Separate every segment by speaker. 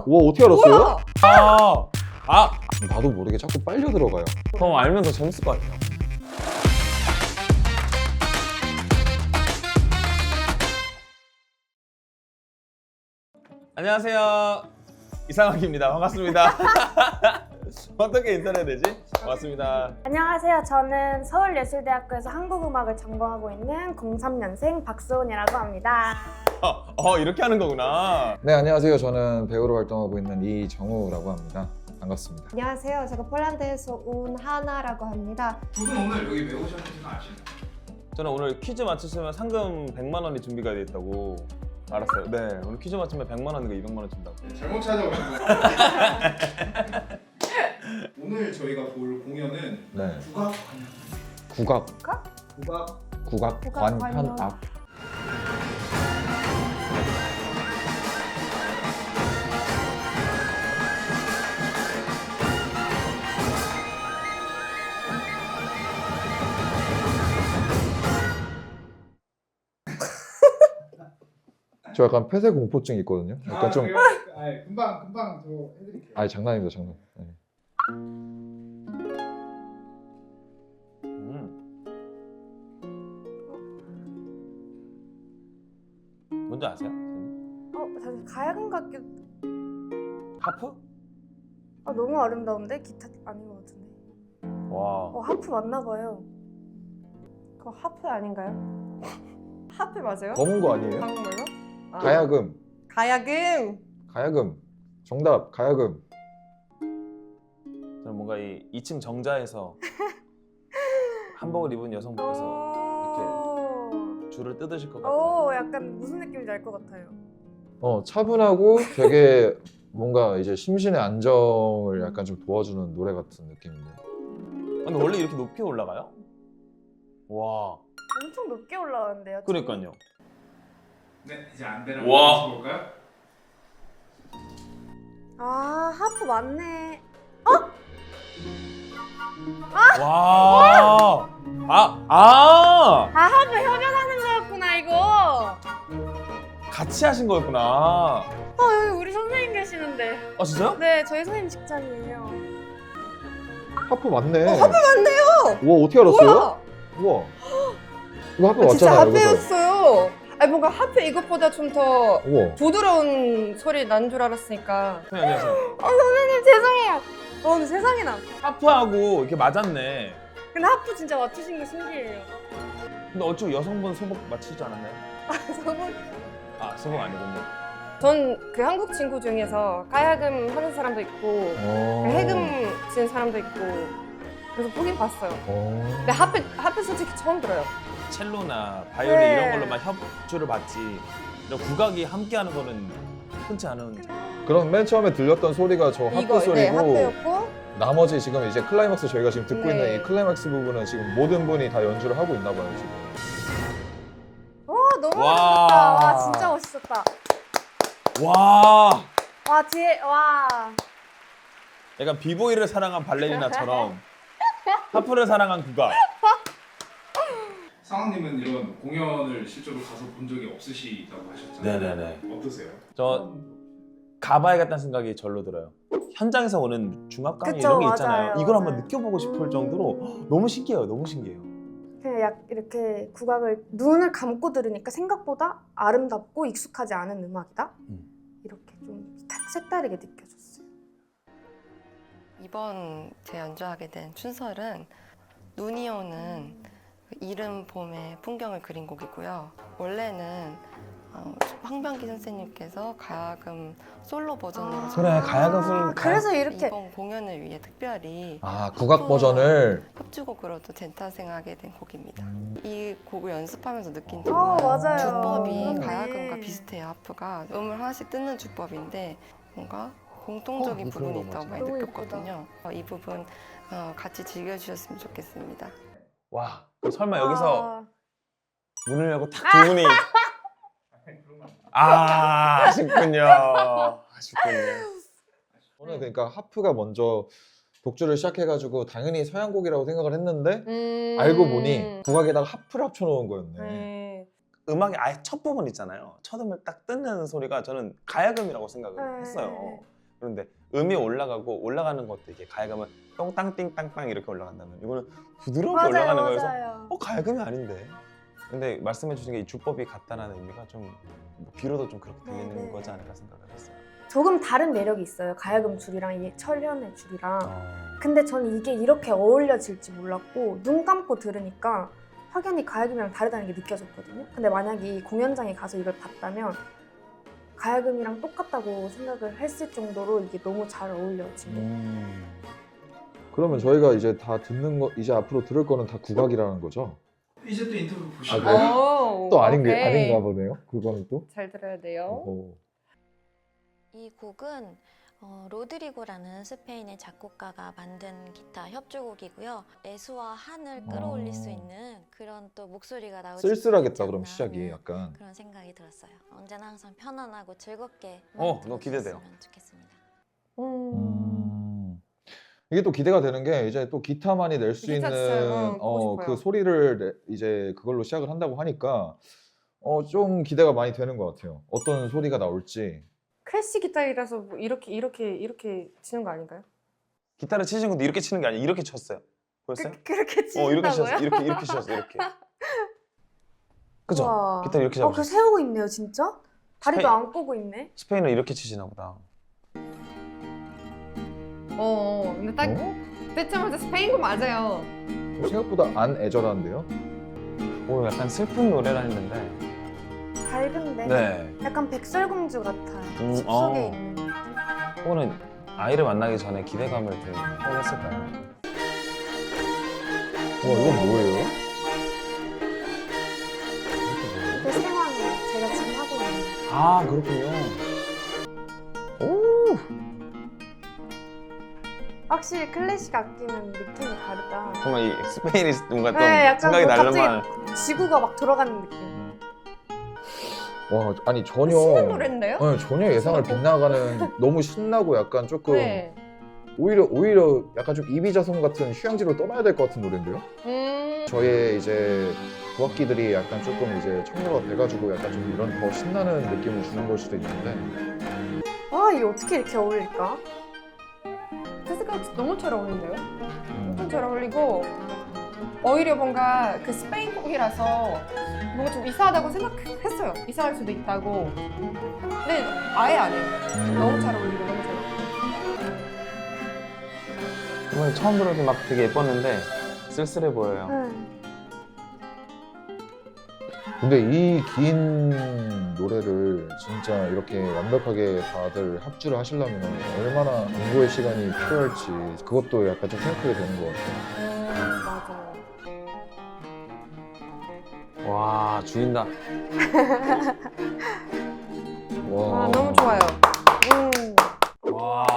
Speaker 1: 와, 어떻게 알았어요?
Speaker 2: 뭐야?
Speaker 3: 아!
Speaker 1: 나도 모르게 자꾸 빨려 들어가요.
Speaker 3: 그럼 알면 더 재밌을 것 같아요. 안녕하세요. 이상학입니다. 반갑습니다. 어떻게 인사해야 되지? 반갑습니다.
Speaker 2: 안녕하세요. 저는 서울예술대학교에서 한국음악을 전공하고 있는 03년생 박수훈이라고 합니다.
Speaker 3: 이렇게 하는 거구나.
Speaker 1: 네, 안녕하세요. 저는 배우로 활동하고 있는 이정우라고 합니다. 반갑습니다.
Speaker 4: 안녕하세요. 제가 폴란드에서 온 하나라고 합니다.
Speaker 5: 두 분 오늘 여기 왜 오셨는지는 아시나요?
Speaker 3: 저는 오늘 퀴즈 맞추시면 상금 100만 원이 준비가 돼 있다고 알았어요. 네, 오늘 퀴즈 맞추면 100만 원인가 200만 원 준다고.
Speaker 5: 네, 잘못 찾아오신 거예요. 오늘 저희가 볼 공연은
Speaker 1: 네.
Speaker 5: 국악
Speaker 1: 국악,
Speaker 5: 국악
Speaker 1: 관현악. 저 약간 폐쇄 공포증 있거든요. 약간 좀,
Speaker 5: 그래요? 금방 저 해드릴게요.
Speaker 1: 아니 장난입니다, 장난. 네.
Speaker 3: 뭔지 아세요?
Speaker 2: 사실 가야금 같기도.
Speaker 3: 하프?
Speaker 2: 너무 아름다운데? 기타 아닌 것 같은데.
Speaker 3: 와.
Speaker 2: 하프 맞나 봐요.
Speaker 4: 그거 하프 아닌가요? 하프 맞아요?
Speaker 1: 검은 거 아니에요?
Speaker 4: 한국말로?
Speaker 1: 가야금,
Speaker 4: 가야금.
Speaker 1: 가야금. 정답, 가야금.
Speaker 3: 저는 뭔가 이 2층 정자에서 한복을 입은 여성분께서 이렇게 줄을 뜯으실 것 같아요.
Speaker 2: 약간 무슨 느낌인지 알 것 같아요.
Speaker 1: 차분하고 되게 뭔가 이제 심신의 안정을 약간 좀 도와주는 노래 같은 느낌인데.
Speaker 3: 근데 원래 이렇게 높이 올라가요? 와.
Speaker 2: 엄청 높게 올라가는데요.
Speaker 3: 그러니까요.
Speaker 5: 네, 이제 안대를
Speaker 3: 와.
Speaker 5: 한번 볼까요?
Speaker 2: 하프 맞네.
Speaker 3: 와.
Speaker 2: 하프 협연하는 거였구나 이거.
Speaker 3: 같이 하신 거였구나.
Speaker 2: 여기 우리 선생님 계시는데.
Speaker 3: 아 진짜요?
Speaker 2: 네, 저희 선생님 직장이에요.
Speaker 1: 하프 맞네.
Speaker 4: 하프 맞네요.
Speaker 1: 우와, 어떻게 알았어요?
Speaker 4: 뭐야?
Speaker 1: 우와. 이거 하프
Speaker 4: 진짜
Speaker 1: 맞잖아요, 그죠?
Speaker 4: 하프였어요. 아니 뭔가 하프 이것보다 좀 더
Speaker 1: 우와.
Speaker 4: 부드러운 소리 난 줄 알았으니까.
Speaker 3: 선생님 안녕하세요.
Speaker 2: 선생님 죄송해요. 근데 세상에나.
Speaker 3: 하프하고 이렇게 맞았네.
Speaker 2: 근데 하프 진짜 맞추신 거 신기해요.
Speaker 3: 근데 어쩌고 여성분 소복 맞추지 않았나요?
Speaker 2: 저는
Speaker 3: 아 소복 아니군요.
Speaker 4: 전 그 한국 친구 중에서 가야금 하는 사람도 있고 해금 치는 사람도 있고 그래서 보긴 봤어요. 근데 하프 솔직히 처음 들어요.
Speaker 3: 첼로나 바이올린
Speaker 2: 네.
Speaker 3: 이런 걸로만 협주를 받지 이런 국악이 함께하는 거는 흔치 않은.
Speaker 1: 그럼 맨 처음에 들렸던 소리가 저 하프
Speaker 4: 이거
Speaker 1: 소리고
Speaker 4: 네 하프였고
Speaker 1: 나머지 지금 이제 클라이막스 저희가 지금 듣고
Speaker 4: 네.
Speaker 1: 있는 이 클라이막스 부분은 지금 모든 분이 다 연주를 하고 있나 봐요 지금.
Speaker 2: 너무
Speaker 3: 와.
Speaker 2: 멋있었다. 와 진짜 멋있었다.
Speaker 3: 와.
Speaker 2: 와 뒤에 와.
Speaker 3: 약간 비보이를 사랑한 발레리나처럼 하프를 사랑한 국악.
Speaker 5: 상황님은 이런 공연을 실제로 가서 본 적이 없으시다고 하셨잖아요.
Speaker 3: 네네네.
Speaker 5: 어떠세요?
Speaker 3: 저 가봐야겠다는 생각이 절로 들어요. 현장에서 오는 중압감
Speaker 2: 그쵸,
Speaker 3: 이런 게
Speaker 2: 맞아요,
Speaker 3: 있잖아요. 이걸 한번
Speaker 2: 맞아요.
Speaker 3: 느껴보고 싶을 정도로 너무 신기해요. 너무 신기해요.
Speaker 2: 그냥 이렇게 국악을 눈을 감고 들으니까 생각보다 아름답고 익숙하지 않은 음악이다. 이렇게 좀 색다르게 느껴졌어요.
Speaker 6: 이번 제 연주하게 된 춘설은 눈이 오는 그 이른 봄의 풍경을 그린 곡이고요. 원래는 황병기 선생님께서 가야금 솔로 버전으로
Speaker 3: 그래, 가야금 솔로.
Speaker 2: 그래서 이렇게
Speaker 6: 이번 공연을 위해 특별히
Speaker 1: 국악 버전을.
Speaker 6: 협주곡으로도 재탄생하게 된 곡입니다. 이 곡을 연습하면서 느낀 점
Speaker 2: 맞아요.
Speaker 6: 주법이
Speaker 2: 그렇네.
Speaker 6: 가야금과 비슷해요. 하프가 음을 하나씩 뜯는 주법인데 뭔가 공통적인
Speaker 1: 그런
Speaker 6: 부분이
Speaker 1: 거
Speaker 6: 있다고
Speaker 1: 맞아.
Speaker 6: 많이
Speaker 2: 너무
Speaker 6: 느꼈거든요. 이 부분 같이 즐겨주셨으면 좋겠습니다.
Speaker 3: 와, 설마 여기서
Speaker 2: 와.
Speaker 3: 문을 열고 딱 두 분이 아쉽군요. 아쉽군요.
Speaker 1: 저는 그러니까 하프가 먼저 독주를 시작해가지고 당연히 서양곡이라고 생각을 했는데 알고 보니 국악에다가 하프를 합쳐놓은 거였네.
Speaker 4: 네.
Speaker 3: 음악의 아예 첫 부분 있잖아요. 첫 음을 딱 뜯는 소리가 저는 가야금이라고 생각을 했어요. 그런데 음이 올라가고 올라가는 것도 이게 가야금은 똥땅 띵땅땅 이렇게 올라간다면 이거는 부드럽게 올라가는 거여서
Speaker 2: 맞아요.
Speaker 3: 가야금이 아닌데. 근데 말씀해 주신 게 이 주법이 같다라는 의미가 좀 비로도 좀 그렇게 들리는
Speaker 2: 네.
Speaker 3: 거지 않을까 생각을 했어요.
Speaker 2: 조금 다른 매력이 있어요. 가야금 줄이랑 이 철현의 줄이랑. 근데 저는 이게 이렇게 어울려질지 몰랐고 눈 감고 들으니까 확연히 가야금이랑 다르다는 게 느껴졌거든요. 근데 만약에 이 공연장에 가서 이걸 봤다면 가야금이랑 똑같다고 생각을 했을 정도로 이게 너무 잘 어울려진 거예요.
Speaker 1: 그러면 저희가 이제 다 듣는 거 이제 앞으로 들을 거는 다 국악이라는 거죠?
Speaker 5: 이제 또 인터뷰
Speaker 1: 아,
Speaker 5: 보시고
Speaker 1: 그래요? 또
Speaker 4: 오케이.
Speaker 1: 아닌가 보네요. 그거는 또.
Speaker 4: 잘 들어야 돼요.
Speaker 7: 이 곡은 로드리고라는 스페인의 작곡가가 만든 기타 협주곡이고요. 애수와 한을 끌어올릴 수 있는 그런 또 목소리가 나오지
Speaker 1: 쓸쓸하겠다 그럼
Speaker 7: 않나
Speaker 1: 시작이
Speaker 7: 하는
Speaker 1: 약간.
Speaker 7: 그런 생각이 들었어요. 언제나 항상 편안하고 즐겁게
Speaker 3: 너무 기대돼요.
Speaker 7: 들어주셨으면 좋겠습니다.
Speaker 1: 이게 또 기대가 되는 게 이제 또 기타만이 낼 수
Speaker 4: 기타
Speaker 1: 있는
Speaker 4: 진짜, 보고
Speaker 1: 그
Speaker 4: 싶어요.
Speaker 1: 소리를 이제 그걸로 시작을 한다고 하니까 좀 기대가 많이 되는 것 같아요. 어떤 소리가 나올지.
Speaker 4: 클래식 기타이라서 뭐 이렇게 치는 거 아닌가요?
Speaker 3: 기타를 치신 것도 이렇게 치는 게 아니라 이렇게 쳤어요. 보였어요?
Speaker 2: 그렇게
Speaker 3: 이렇게
Speaker 2: 치신다고요?
Speaker 3: 치셨어요. 이렇게 치셨어요. 이렇게. 그죠?
Speaker 2: 우와.
Speaker 3: 기타 이렇게
Speaker 2: 그
Speaker 3: 잡으셨어요.
Speaker 2: 세우고 있네요, 진짜? 다리도
Speaker 3: 스페인-
Speaker 2: 안 꼬고 있네.
Speaker 3: 스페인은 이렇게 치시나 보다.
Speaker 4: 근데 딱 듣자마자 스페인 거 맞아요.
Speaker 1: 생각보다 안 애절한데요?
Speaker 3: 오, 약간 슬픈 노래라 했는데.
Speaker 2: 밝은데
Speaker 3: 네.
Speaker 2: 약간 백설공주 같아요. 숲속에
Speaker 3: 어.
Speaker 2: 있는.
Speaker 3: 혹은 아이를 만나기 전에 기대감을 좀 표현했을까요?
Speaker 1: 이건 뭐예요?
Speaker 2: 그 생활을 제가 지금 하고 있는.
Speaker 3: 아, 그렇군요.
Speaker 2: 확실히 클래식 악기는 느낌이 다르다.
Speaker 3: 정말 이 스페인이 뭔가 좀
Speaker 2: 네, 약간
Speaker 3: 생각이
Speaker 2: 뭐
Speaker 3: 날려만.
Speaker 2: 지구가 막 돌아가는 느낌.
Speaker 1: 와, 아니 전혀
Speaker 4: 신난 노래인데요?
Speaker 1: 전혀 예상을 빗나가는 너무 신나고 약간 조금
Speaker 4: 네.
Speaker 1: 오히려 약간 좀 이비자성 같은 휴양지로 떠나야 될 것 같은 노래인데요? 저의 이제 국악기들이 약간 조금 이제 청료가 돼가지고 약간 좀 이런 더 신나는 느낌을 주는 걸 수도 있는데
Speaker 2: 아, 이게 어떻게 이렇게 어울릴까?
Speaker 4: 제 생각 너무 잘 어울린대요. 엄청 잘 어울리고 오히려 뭔가 그 스페인 곡이라서 뭔가 좀 이상하다고 생각했어요. 이상할 수도 있다고. 근데 아예 아니에요. 너무 잘 어울리고 너무 잘 어울리고.
Speaker 3: 정말 처음 들어도 막 되게 예뻤는데 쓸쓸해 보여요.
Speaker 2: 응.
Speaker 1: 근데 이 긴 노래를 진짜 이렇게 완벽하게 다들 합주를 하시려면 얼마나 공부의 시간이 필요할지 그것도 약간 좀 생각하게 되는 것 같아요.
Speaker 2: 맞아요.
Speaker 3: 와, 죽인다.
Speaker 1: 와.
Speaker 4: 아, 너무 좋아요.
Speaker 3: 와.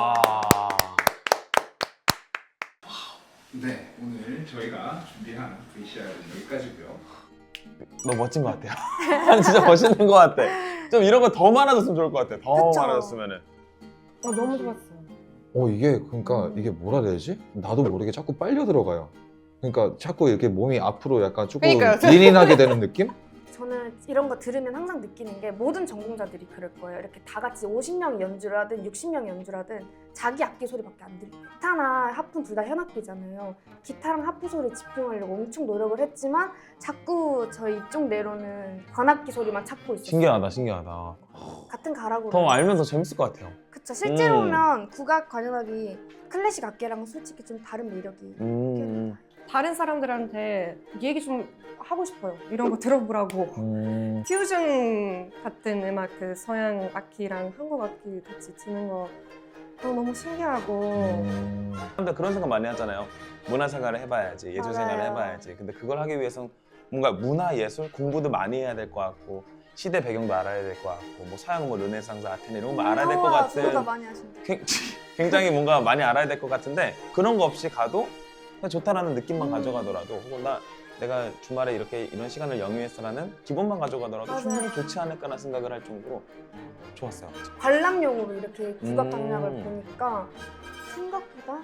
Speaker 5: 네, 오늘 저희가 준비한 VCR은 여기까지고요.
Speaker 3: 너무 멋진 것 같아요. 아니, 진짜 멋있는 것 같아. 좀 이런 거 더 많아졌으면 좋을 것 같아. 더
Speaker 2: 그쵸?
Speaker 3: 많아졌으면은.
Speaker 4: 너무 좋았어요.
Speaker 1: 이게 그러니까 이게 뭐라 해야 되지? 나도 모르게 자꾸 빨려 들어가요. 그러니까 자꾸 이렇게 몸이 앞으로 약간 조금
Speaker 4: 그러니까요.
Speaker 1: 린인하게 되는 느낌?
Speaker 2: 저는 이런 거 들으면 항상 느끼는 게 모든 전공자들이 그럴 거예요. 이렇게 다 같이 50명이 연주를 하든 60명이 연주를 하든 자기 악기 소리밖에 안 들려요. 기타나 하프 둘 다 현악기잖아요. 기타랑 하프 소리에 집중하려고 엄청 노력을 했지만 자꾸 저희 이쪽 내로는 관악기 소리만 찾고 있어요.
Speaker 3: 신기하다.
Speaker 2: 같은 가락으로.
Speaker 3: 더 알면 더 재밌을 것 같아요.
Speaker 2: 그쵸. 실제로 보면 국악 관현악이 클래식 악기랑 솔직히 좀 다른 매력이
Speaker 4: 다른 사람들한테 얘기 좀 하고 싶어요. 이런 거 들어보라고. 퓨전 같은 음악, 그 서양 악기랑 한국 악기 같이 치는 거 너무 신기하고.
Speaker 3: 사람들 그런 생각 많이 하잖아요. 문화생활을 해봐야지, 예술생활을
Speaker 2: 맞아요.
Speaker 3: 해봐야지. 근데 그걸 하기 위해서는 뭔가 문화예술 공부도 많이 해야 될 것 같고 시대 배경도 알아야 될 것 같고 뭐 서양 뭐 르네상스 아테네 이런 거 알아야 될 것
Speaker 2: 저보다
Speaker 3: 같은
Speaker 2: 많이 하신다.
Speaker 3: 굉장히 뭔가 많이 알아야 될 것 같은데 그런 거 없이 가도 그냥 좋다라는 느낌만 가져가더라도 혹은 내가 주말에 이런 시간을 영위해서라는 기본만 가져가더라도
Speaker 2: 맞아요.
Speaker 3: 충분히 좋지 않을까라는 생각을 할 정도로 좋았어요.
Speaker 2: 관람용으로 이렇게 국악 강약을
Speaker 3: 음.
Speaker 2: 보니까 생각보다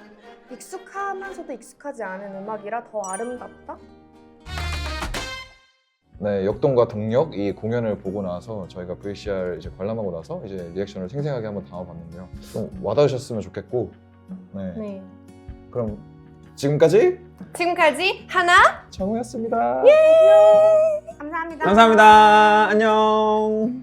Speaker 2: 익숙하면서도 익숙하지 않은 음악이라 더 아름답다?
Speaker 1: 네, 역동과 동력 이 공연을 보고 나서 저희가 VCR 이제 관람하고 나서 이제 리액션을 생생하게 한번 담아봤는데요. 좀 와닿으셨으면 좋겠고, 네.
Speaker 4: 네.
Speaker 1: 그럼 지금까지
Speaker 4: 지금까지 하나
Speaker 1: 정우였습니다.
Speaker 2: 감사합니다.
Speaker 3: 감사합니다. 안녕.